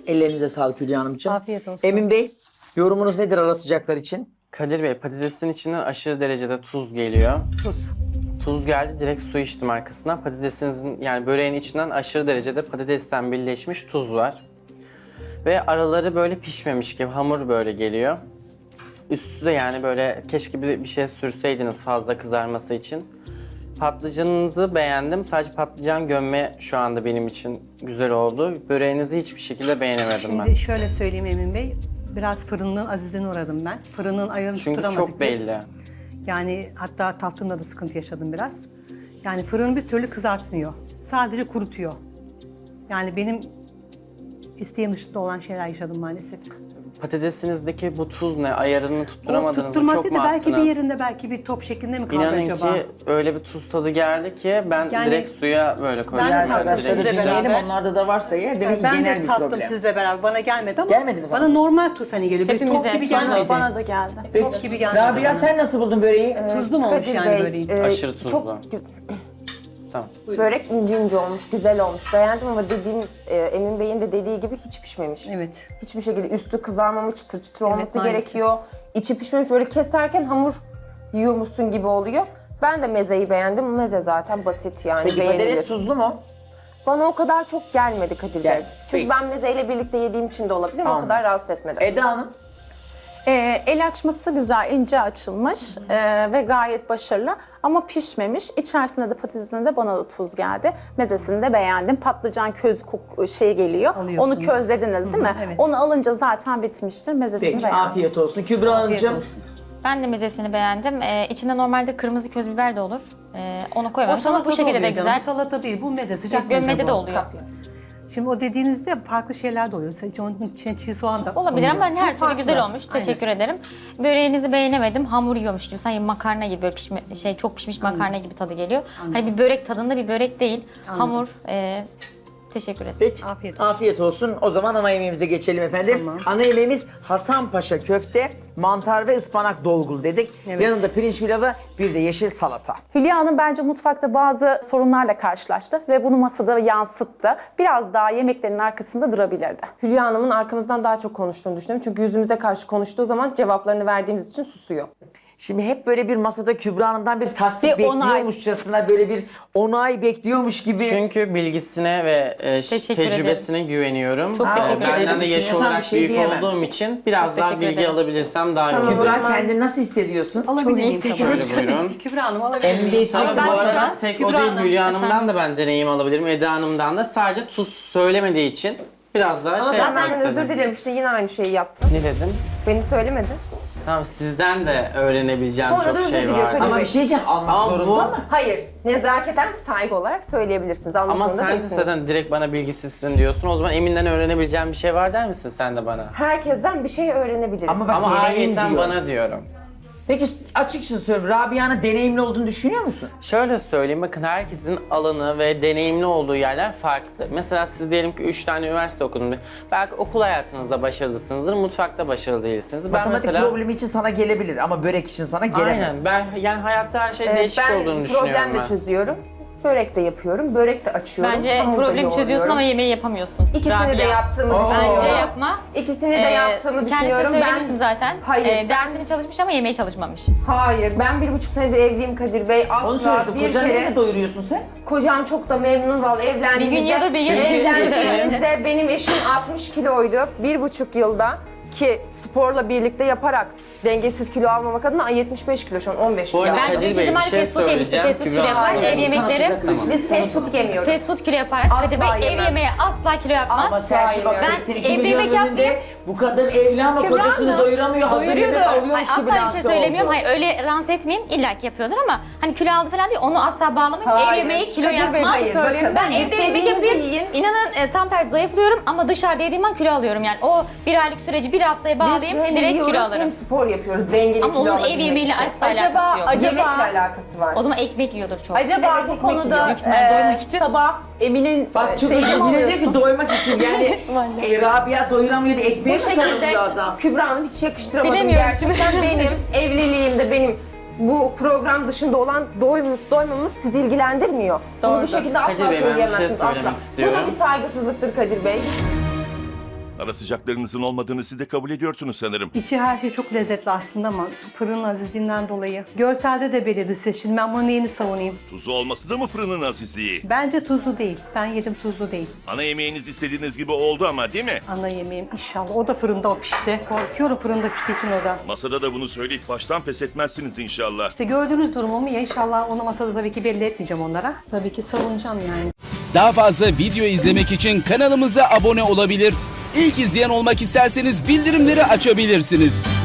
Ellerinize sağlık Hülya Hanımcığım. Afiyet olsun. Emin Bey, yorumunuz nedir ara sıcaklar için? Kadir Bey, patatesin içinden aşırı derecede tuz geliyor. Tuz. Tuz geldi, direkt su içtim arkasından. Patatesinizin yani böreğin içinden aşırı derecede patatesten birleşmiş tuz var. Ve araları böyle pişmemiş gibi hamur böyle geliyor. Üstü de yani böyle keşke bir şey sürseydiniz fazla kızarması için. Patlıcanınızı beğendim. Sadece patlıcan gömme şu anda benim için güzel oldu. Böreğinizi hiçbir şekilde beğenemedim ben. Şimdi şöyle söyleyeyim Emin Bey. Biraz fırının azizine uğradım ben. Fırının ayarını Çünkü tutturamadık çok biz. belli. Yani hatta tatlımda da sıkıntı yaşadım biraz. Yani fırını bir türlü kızartmıyor. Sadece kurutuyor. Yani benim isteğim dışında olan şeyler yaşadım maalesef. Patatesinizdeki bu tuz ne? Ayarını O tutturamadınız mı? tutturmak Çok değil mu de belki bir attınız? yerinde belki bir top şeklinde mi kaldı İnanın acaba? ki öyle bir tuz tadı geldi ki ben Yani direkt suya böyle koydum. de tattım Arkadaşlar sizle düşünelim, beraber. onlarda da varsa eğer demek ki Ben genel de bir tattım problem. sizle beraber. Bana gelmedi ama Gelmedi mi sana? bana normal tuz hani geliyor. Bir top Hepimize. gibi gelmedi. Bana da geldi. Top gibi gelmedi. Rabia sen nasıl buldun böreği? Tuzlu mu olmuş Kadir yani Bey, böreğin? Aşırı tuzlu. Çok Tamam. börek ince ince olmuş, güzel olmuş. Beğendim ama dediğim Emin Bey'in de dediği gibi hiç pişmemiş. Evet. Hiçbir şekilde üstü kızarmamış, çıtır çıtır Evet, olması maalesef. gerekiyor. İçi pişmemiş, böyle keserken hamur yiyormuşsun gibi oluyor. Ben de mezeyi beğendim. Meze zaten basit yani, Peki beğenilir. patates tuzlu mu? Bana o kadar çok gelmedi Kadir Bey. Gel. Çünkü Peki. ben mezeyle birlikte yediğim için de olabilir. O Anladım. kadar rahatsız etmedi. Eda Hanım. El açması güzel, ince açılmış ve gayet başarılı ama pişmemiş. İçerisinde de patatesinde de bana da tuz geldi. Mezesini de beğendim. Patlıcan köz şey geliyor. Alıyorsunuz. Onu közlediniz değil mi? evet. Onu alınca zaten bitmiştir. Mezesini Peki beğendim. afiyet olsun. Kübra Hanımcığım. olsun. Ben de mezesini beğendim. İçinde normalde kırmızı köz biber de olur. Onu O koymamış ama bu salata şekilde de oluyor canım. güzel. Bu salata değil, bu meze, sıcak meze Gömmede bu. de oluyor. Şimdi o dediğinizde farklı şeyler de oluyor. Mesela onun içine çiğ soğan da Olabilir ama konuyor. her Bu türlü farklı. güzel olmuş. Aynen. Teşekkür ederim. Böreğinizi beğenemedim. Hamur yiyormuş gibi. Sanki makarna gibi böyle çok pişmiş makarna gibi tadı geliyor. Hani bir börek tadında bir börek değil. Hamur. Teşekkür ederim. Peki. Afiyet olsun. O zaman ana yemeğimize geçelim efendim. Tamam. Ana yemeğimiz Hasanpaşa köfte, mantar ve ıspanak dolgulu dedik. Evet. Yanında pirinç pilavı, bir de yeşil salata. Hülya Hanım bence mutfakta bazı sorunlarla karşılaştı ve bunu masada yansıttı. Biraz daha yemeklerin arkasında durabilirdi. Hülya Hanım'ın arkamızdan daha çok konuştuğunu düşünüyorum. Çünkü yüzümüze karşı konuştuğu zaman cevaplarını verdiğimiz için susuyor. Şimdi hep böyle bir masada Kübra Hanım'dan bir tasdik Bir onay. bekliyormuşçasına, böyle bir onay bekliyormuş gibi. Çünkü bilgisine ve Teşekkür tecrübesine güveniyorum. Çok teşekkür Benden ederim. de yaş Düşünüyorsan olarak bir şey büyük diyemem. olduğum için biraz daha teşekkür bilgi ederim. alabilirsem daha iyi olur. Kübra kendini nasıl hissediyorsun? Alabilir miyim? hissediyorum. tabii? Şöyle buyurun. Kübra Hanım alabilir Emin Bey miyim? sürekli Ama bu bu arada arada tek o Kübra değil, Hanım, Hülya Hanım'dan da ben deneyim alabilirim. Eda Hanım'dan da sadece tuz söylemediği için biraz daha Ama şey sen yapmak benden istedim. özür dilemiştin, yine aynı şeyi yaptın. Ne dedim? Beni söylemedin. Tamam, sizden de öğrenebileceğim Sonra da çok özür şey diliyor var. Kadir Ama Bey. bir şey diyeceğim, almak Ama zorunda bu- mı? Hayır, nezaketen saygı olarak söyleyebilirsiniz. Almak Ama zorunda sen de değilsiniz. zaten direkt bana bilgisizsin diyorsun. O zaman Emin'den öğrenebileceğim bir şey var der misin sen de bana? Herkesten bir şey öğrenebiliriz. Ama bak, Ama deneyim ayetten diyor. bana diyorum. Peki açıkçası söyleyeyim, Rabia'nın deneyimli olduğunu düşünüyor musun? Şöyle söyleyeyim, bakın herkesin alanı ve deneyimli olduğu yerler farklı. Mesela siz diyelim ki 3 tane üniversite okudunuz. Belki okul hayatınızda başarılısınızdır, mutfakta başarılı değilsiniz. Ben Matematik mesela... problemi için sana gelebilir ama börek için sana Aynen, gelemez. ben yani hayatta her şey değişik ben olduğunu düşünüyorum problem de ben. çözüyorum. Börek de yapıyorum, börek de açıyorum. Bence hamur da problemi çözüyorsun yoğuruyorum. ama yemeği yapamıyorsun. İkisini de Rabia. yaptığımı düşünüyorum. Bence yapma. İkisini de yaptığımı düşünüyorum. Kendisine söylemiştim zaten. Hayır, Dersini çalışmış ama yemeğe çalışmamış. Hayır, ben 1,5 senedir evliyim Kadir Bey. Onu Asla sordum, bir kocanı kere... neyle doyuruyorsun sen? Kocam çok da memnun vallahi evlendiğimizde. Bir gün yiyordur, bir gün yiyor. Evlendiğimizde benim eşim 60 kiloydu. 1,5 yılda ki sporla birlikte yaparak dengesiz kilo almamak adına 75 kilo şu an 15 Bu kilo. arada Ben Kadir büyük Bey bir ihtimalle şey fast food yemiştir. söyleyeceğim. Fast food Kübra kilo yapar. Hanım. Ev Sana yemekleri. sıcak kılacağım. Biz fast food yemiyoruz. Fast food kilo yapar. Kadir Bey ev yemem. yemeği asla kilo yapmaz. Ama sen şimdi bak Ben 82 evde milyon yemek önünde yapmayayım. bu kadın evli ama Kübra kocasını Hanım doyuramıyor. Hazır doyuruyordu. yemek Hayır, alıyormuş gibi asla bir şey lanse söylemiyorum. oldu. Hayır öyle lanse etmeyeyim. İlla ki yapıyordur ama hani kilo aldı falan değil. Onu asla bağlamayın. Ev Hayır. yemeği kilo Kadir Bey, yapmaz. hayır, Söyleyeyim. bakın, Ben evde yemek istediğinizi yapayım. yiyin. İnanın tam tersi zayıflıyorum ama dışarıda yediğim an kilo alıyorum. Yani o bir aylık süreci bir haftaya Biz bağlayayım hem direkt yiyoruz kilo hem alırım. spor yapıyoruz dengeli Ama kilo onun ev alabilmek yemeğiyle için. asla alakası yok. Yemekle alakası var. O zaman ekmek yiyordur çok. Acaba Evet, bu ekmek konuda yiyor. Büyük ihtimalle doymak için. sabah Emin'in Bak çok şeyini mi yine diyor ki alıyorsun? doymak için yani Rabia doyuramıyordu, ekmeğe Bu mi şekilde sarılıyor adam? Kübra Hanım hiç yakıştıramadım. Bilemiyorum Gerçekten benim evliliğimde benim bu program dışında olan doymuyup doymamamız sizi ilgilendirmiyor. Bunu bu Doğrudur. şekilde asla Kadir Bey, ben bir şey söyleyemezsiniz. söylemek asla. istiyorum. Bu da bir saygısızlıktır Kadir Bey. Ara sıcaklarınızın olmadığını siz de kabul ediyorsunuz sanırım. İçi her şey çok lezzetli aslında ama fırının azizliğinden dolayı. Görselde de belli dış ses. Şimdi ben bunun neyini savunayım? Tuzlu olması da mı fırının azizliği? Bence tuzlu değil. Ben yedim, tuzlu değil. Ana yemeğiniz istediğiniz gibi oldu ama değil mi? Ana yemeğim inşallah. O da fırında o pişti. Korkuyorum fırında piştiği için o da. Masada da bunu söyleyip baştan pes etmezsiniz inşallah. İşte gördüğünüz durumumu ya inşallah onu masada tabii ki belli etmeyeceğim onlara. Tabii ki savunacağım yani. Daha fazla video izlemek için kanalımıza abone olabilir. İlk izleyen olmak isterseniz bildirimleri açabilirsiniz.